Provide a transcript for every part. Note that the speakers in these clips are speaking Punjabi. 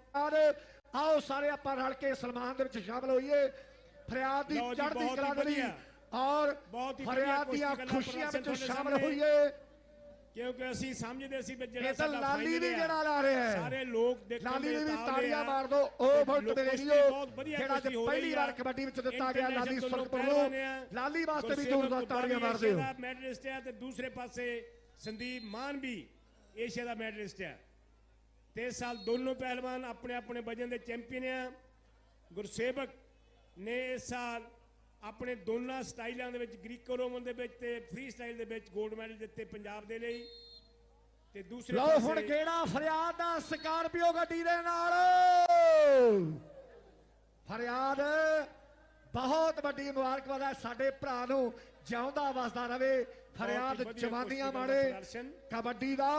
आओ सारे आपां रल के सलमान दे विच शामिल होइए। फरियाद दी चढ़दी कला दे लई और फरियाद दी खुशियां विच शामिल होइए, क्योंकि ਅਸੀਂ ਸਮਝਦੇ ਸੀ ਵੀ ਜਿਹੜਾ ਸਾਡਾ ਲਾਲੀ ਵੀ ਜਿਹੜਾ ਲਾ ਰਿਹਾ ਹੈ, ਸਾਰੇ ਲੋਕ ਦੇਖਣ ਲਾਲੀ ਦੇ ਵੀ ਤਾੜੀਆਂ ਮਾਰ ਦੋ। ਉਹ ਵੋਲਟ ਦੇ ਰੇਡੀਓ ਜਿਹੜਾ ਅੱਜ ਪਹਿਲੀ ਵਾਰ ਕਬੱਡੀ ਵਿੱਚ ਦਿੱਤਾ ਗਿਆ ਲਾਲੀ ਸੁਰਖਪੁਰ ਨੂੰ, ਲਾਲੀ ਵਾਸਤੇ ਵੀ ਜ਼ੋਰਦਾਰ ਤਾੜੀਆਂ ਮਾਰ ਦਿਓ। ਮੈਡਲਿਸਟ ਹੈ ਤੇ ਦੂਸਰੇ ਪਾਸੇ ਸੰਦੀਪ ਮਾਨ ਵੀ ਏਸ਼ੀਆ ਦਾ ਮੈਡਲਿਸਟ ਹੈ ਤੇ ਇਸ ਸਾਲ ਦੋਨੋਂ ਪਹਿਲਵਾਨ ਆਪਣੇ ਆਪਣੇ ਵਜਨ ਦੇ ਚੈਂਪੀਅਨ ਆ। ਗੁਰਸੇਵਕ ਨੇ ਇਸ ਸਾਲ ਆਪਣੇ ਦੋਨਾਂ ਸਟਾਈਲਾਂ ਦੇ ਵਿੱਚ ਗ੍ਰੀਕੋ ਰੋਮਨ ਦੇ ਵਿੱਚ ਤੇ ਫ੍ਰੀ ਸਟਾਈਲ ਦੇ ਵਿੱਚ 골ਡ ਮੈਡਲ ਦਿੱਤੇ ਪੰਜਾਬ ਦੇ ਲਈ। ਤੇ ਦੂਸਰੇ ਲਓ ਹੁਣ ਕਿਹੜਾ ਫਰਿਆਦ ਦਾ ਸਕਾਰਪੀਓ ਗੱਡੀ ਦੇ ਨਾਲ, ਫਰਿਆਦ ਬਹੁਤ ਵੱਡੀ ਮੁਬਾਰਕਬਾਦ ਹੈ ਸਾਡੇ ਭਰਾ ਨੂੰ, ਜਿਉਂਦਾ ਵਸਦਾ ਰਵੇ ਫਰਿਆਦ, ਜਵਾਨੀਆਂ ਮਾਣੇ ਕਬੱਡੀ ਦਾ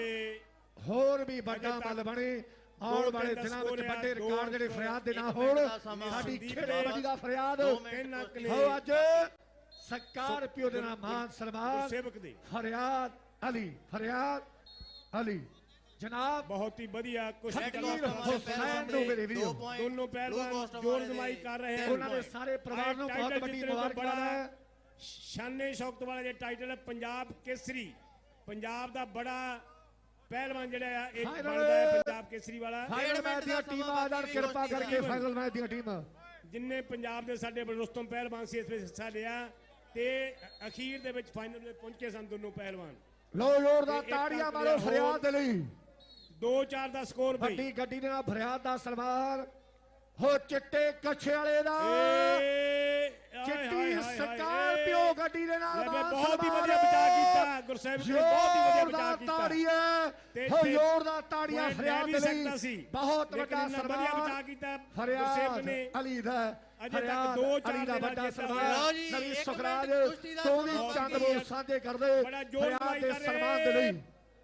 ਹੋਰ ਵੀ ਵੱਡਾ ਮੱਲ ਬਣੇ। ਆਉਣ ਵਾਲੇ ਦਿਨਾਂ ਵਿੱਚ ਵੱਡੇ ਰਿਕਾਰਡ ਜਿਹੜੇ ਫਰਿਆਦ ਦੇ ਨਾਲ ਹੋਣ। ਸਾਡੀ ਖੇਡ ਕਬੱਡੀ ਦਾ ਫਰਿਆਦ ਹੋ ਅੱਜ ਸਕਾਰਪੀਓ ਦੇ ਨਾਲ ਮਾਨ ਸਨਮਾਨ ਫਰਿਆਦ ਅਲੀ, ਫਰਿਆਦ ਅਲੀ ਜਨਾਬ ਬਹੁਤ ਹੀ ਵਧੀਆ ਹੁਸੈਨ ਨੂੰ ਮੇਰੇ ਵੀਰੋ, ਦੋਨੋਂ ਪਹਿਲਵਾਨ ਜੋਰ ਜਮਾਈ ਕਰ ਰਹੇ ਹਨ। ਉਹਨਾਂ ਦੇ ਸਾਰੇ ਪਰਿਵਾਰ ਨੂੰ ਬਹੁਤ ਵੱਡੀ ਮੁਬਾਰਕਬਾਦ ਹੈ। ਸ਼ਾਨੇ ਸ਼ੌਕਤ ਵਾਲਾ ਜਿਹੜਾ ਟਾਈਟਲ ਹੈ ਪੰਜਾਬ ਕੇਸਰੀ, ਪੰਜਾਬ ਦਾ ਬੜਾ ਪਹਿਲਵਾਨ ਜਿਹੜਾ ਇੱਕ ਬਣਦਾ ਹੈ ਪੰਜਾਬ ਕੇਸਰੀ ਵਾਲਾ। ਫਾਈਨਲ ਮੈਚ ਦੀਆਂ ਟੀਮਾਂ ਦਾ ਕਿਰਪਾ ਕਰਕੇ ਫਾਈਨਲ ਮੈਚ ਦੀਆਂ ਟੀਮਾਂ ਜਿੰਨੇ ਪੰਜਾਬ ਦੇ ਸਾਡੇ ਰੁਸਤਮ ਪਹਿਲਵਾਨ ਸੀ ਇਸ ਵਿੱਚ ਹਿੱਸਾ ਲਿਆ ਤੇ ਅਖੀਰ ਦੇ ਵਿੱਚ ਫਾਈਨਲ ਵਿੱਚ ਪਹੁੰਚੇ ਸਨ ਦੋਨੋਂ ਪਹਿਲਵਾਨ। ਲੋ ਜ਼ੋਰਦਾਰ ਤਾੜੀਆਂ ਮਾਰੋ ਫਰਿਆਦ ਦੇ ਲਈ। 2-4 ਦਾ ਸਕੋਰ ਬਈ। ਵੱਡੀ ਗੱਡੀ ਦੇ ਨਾਲ ਫਰਿਆਦ ਦਾ ਸਨਮਾਨ ਹੋ ਚਿੱਟੇ ਕੱਛੇ ਵਾਲੇ ਦਾ, ਚਿੱਟੀ ਸਕਾਰਪੀਓ ਗੱਡੀ ਦੇ ਨਾਲ ਬਹੁਤ ਹੀ ਵਧੀਆ ਬਚਾ ਕੀਤਾ ਗੁਰਸੇਵਕ ਨੇ, ਬਹੁਤ ਹੀ ਵਧੀਆ ਬਚਾ ਕੀਤਾ। ਤਾੜੀਆਂ ਹੋ ਜ਼ੋਰਦਾਰ ਤਾੜੀਆਂ ਫਰਿਆਦ ਦੇ ਲਈ, ਬਹੁਤ ਵੱਡਾ ਸਨਮਾਨ ਬਚਾ ਕੀਤਾ ਫਰਿਆਦ ਅਲੀ ਦਾ। ਅਜੇ ਤੱਕ 2-4 ਦਾ ਵੱਡਾ ਸਨਮਾਨ ਨਵੀਂ ਸੁਖਰਾਜ ਤੋਂ ਵੀ ਚੰਦ ਬੋਲ ਸਾਂਝੇ ਕਰਦੇ ਫਰਿਆਦ ਦੇ ਸਨਮਾਨ ਦੇ ਲਈ।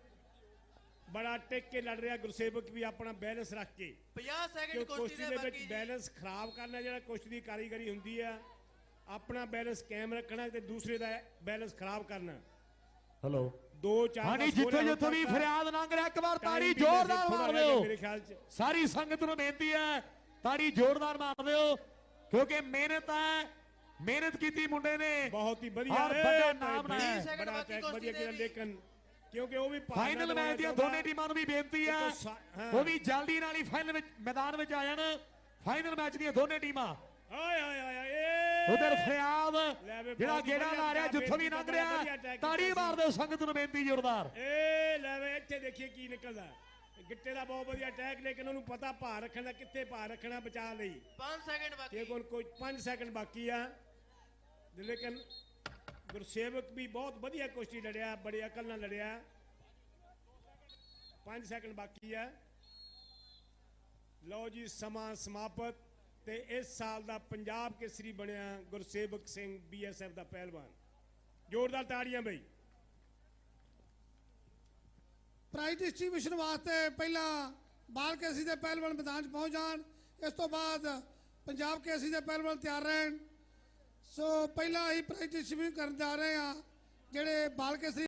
ਬੜਾ ਟਿਕ ਕੇ ਲੜ ਰਿਹਾ ਗੁਰਸੇਵਕ ਵੀ ਆਪਣਾ ਬੈਲੈਂਸ ਰੱਖ ਕੇ। 50 ਸੈਕਿੰਡ ਕੁਸ਼ਤੀ ਦੇ ਵਿੱਚ ਬੈਲੈਂਸ ਖਰਾਬ ਕਰਨਾ ਜਿਹੜਾ ਕੁਸ਼ਤੀ ਦੀ ਕਾਰੀਗਰੀ ਹੁੰਦੀ ਆ, ਆਪਣਾ ਬੈਲੈਂਸ ਕਾਇਮ ਰੱਖਣਾ ਤੇ ਦੂਸਰੇ ਦਾ ਬੈਲੈਂਸ ਖਰਾਬ ਕਰਨਾ। ਹਲੋ 2-4 ਹਾਂਜੀ ਜਿੱਥੇ ਜਿੱਥੇ ਵੀ ਫਰਿਆਦ ਲੰਘ ਰਿਹਾ ਇੱਕ ਵਾਰ ਤਾੜੀ ਜ਼ੋਰਦਾਰ ਮਾਰ ਦਿਓ। ਮੇਰੇ ਖਿਆਲ ਚ ਸਾਰੀ ਸੰਗਤ ਨੂੰ ਬੇਨਤੀ ਹੈ ਤਾੜੀ ਜ਼ੋਰਦਾਰ ਮਾਰ ਦਿਓ ਕਿਉਂਕਿ ਮਿਹਨਤ ਹੈ, ਮਿਹਨਤ ਕੀਤੀ ਮੁੰਡੇ ਨੇ, ਬਹੁਤ ਹੀ ਵਧੀਆ ਵੱਡਾ ਨਾਮ ਬਣਾਇਆ, ਬੜਾ ਟੈਕ ਵਧੀਆ ਕੀਤਾ। ਲੇਕਿਨ ਕਿਉਂਕਿ ਉਹ ਵੀ ਫਾਈਨਲ ਮੈਚ ਦੀਆਂ ਦੋਨੇ ਟੀਮਾਂ ਨੂੰ ਵੀ ਬੇਨਤੀ ਹੈ ਉਹ ਵੀ ਜਲਦੀ ਨਾਲ ਹੀ ਫਾਈਨਲ ਵਿੱਚ ਮੈਦਾਨ ਵਿੱਚ ਆ ਜਾਣ। ਫਾਈਨਲ ਮੈਚ ਦੀਆਂ ਦੋਨੇ ਟੀਮਾਂ ਉਧਰ ਫਰਿਆਦ ਜਿਹੜਾ ਗੇੜਾ ਲਾ ਰਿਹਾ ਜਿੱਥੋਂ ਵੀ ਲੰਘ ਰਿਹਾ ਤਾੜੀ ਮਾਰ ਦਿਓ ਸੰਗਤ ਨੂੰ ਬੇਨਤੀ ਜ਼ੋਰਦਾਰ। ਏ ਲੈ ਵੇ ਇੱਥੇ ਦੇਖੀਏ ਕੀ ਨਿਕਲਦਾ। ਗਿੱਟੇ ਦਾ ਬਹੁਤ ਵਧੀਆ ਅਟੈਕ ਲੇਕਿਨ ਉਹਨੂੰ ਪਤਾ ਭਾਰ ਰੱਖਣ ਦਾ, ਕਿੱਥੇ ਭਾਰ ਰੱਖਣਾ ਬਚਾ ਲਈ। 5 ਸੈਕਿੰਡ ਬਾਕੀ, ਕੋਈ 5 ਸੈਕਿੰਡ ਬਾਕੀ ਆ। ਲੇਕਿਨ ਗੁਰਸੇਵਕ ਵੀ ਬਹੁਤ ਵਧੀਆ ਕੁਸ਼ਤੀ ਲੜਿਆ, ਬੜੀ ਅਕਲ ਨਾਲ ਲੜਿਆ। 5 ਸੈਕਿੰਡ ਬਾਕੀ ਆ। ਲਓ ਜੀ ਸਮਾਂ ਸਮਾਪਤ ਤੇ ਇਸ ਸਾਲ ਦਾ ਪੰਜਾਬ ਕੇਸਰੀ ਬਣਿਆ ਗੁਰਸੇਵਕ ਸਿੰਘ BSF ਦਾ ਪਹਿਲਵਾਨ। ਜ਼ੋਰਦਾਰ ਤਾੜੀਆਂ ਬਈ। ਪ੍ਰਾਈਜ਼ ਡਿਸਟ੍ਰੀਬਿਊਸ਼ਨ ਵਾਸਤੇ ਪਹਿਲਾਂ ਬਾਲ ਕੇਸਰੀ ਦੇ ਪਹਿਲਵਾਨ ਮੈਦਾਨ 'ਚ ਪਹੁੰਚ ਜਾਣ, ਇਸ ਤੋਂ ਬਾਅਦ ਪੰਜਾਬ ਕੇਸਰੀ ਦੇ ਪਹਿਲਵਾਨ ਤਿਆਰ ਰਹਿਣ। ਸੋ ਪਹਿਲਾਂ ਅਸੀਂ ਪ੍ਰਾਈਜ਼ ਡਿਸਟ੍ਰੀਬਿਊਟ ਕਰਨ ਜਾ ਰਹੇ ਹਾਂ ਜਿਹੜੇ ਬਾਲ ਕੇਸਰੀ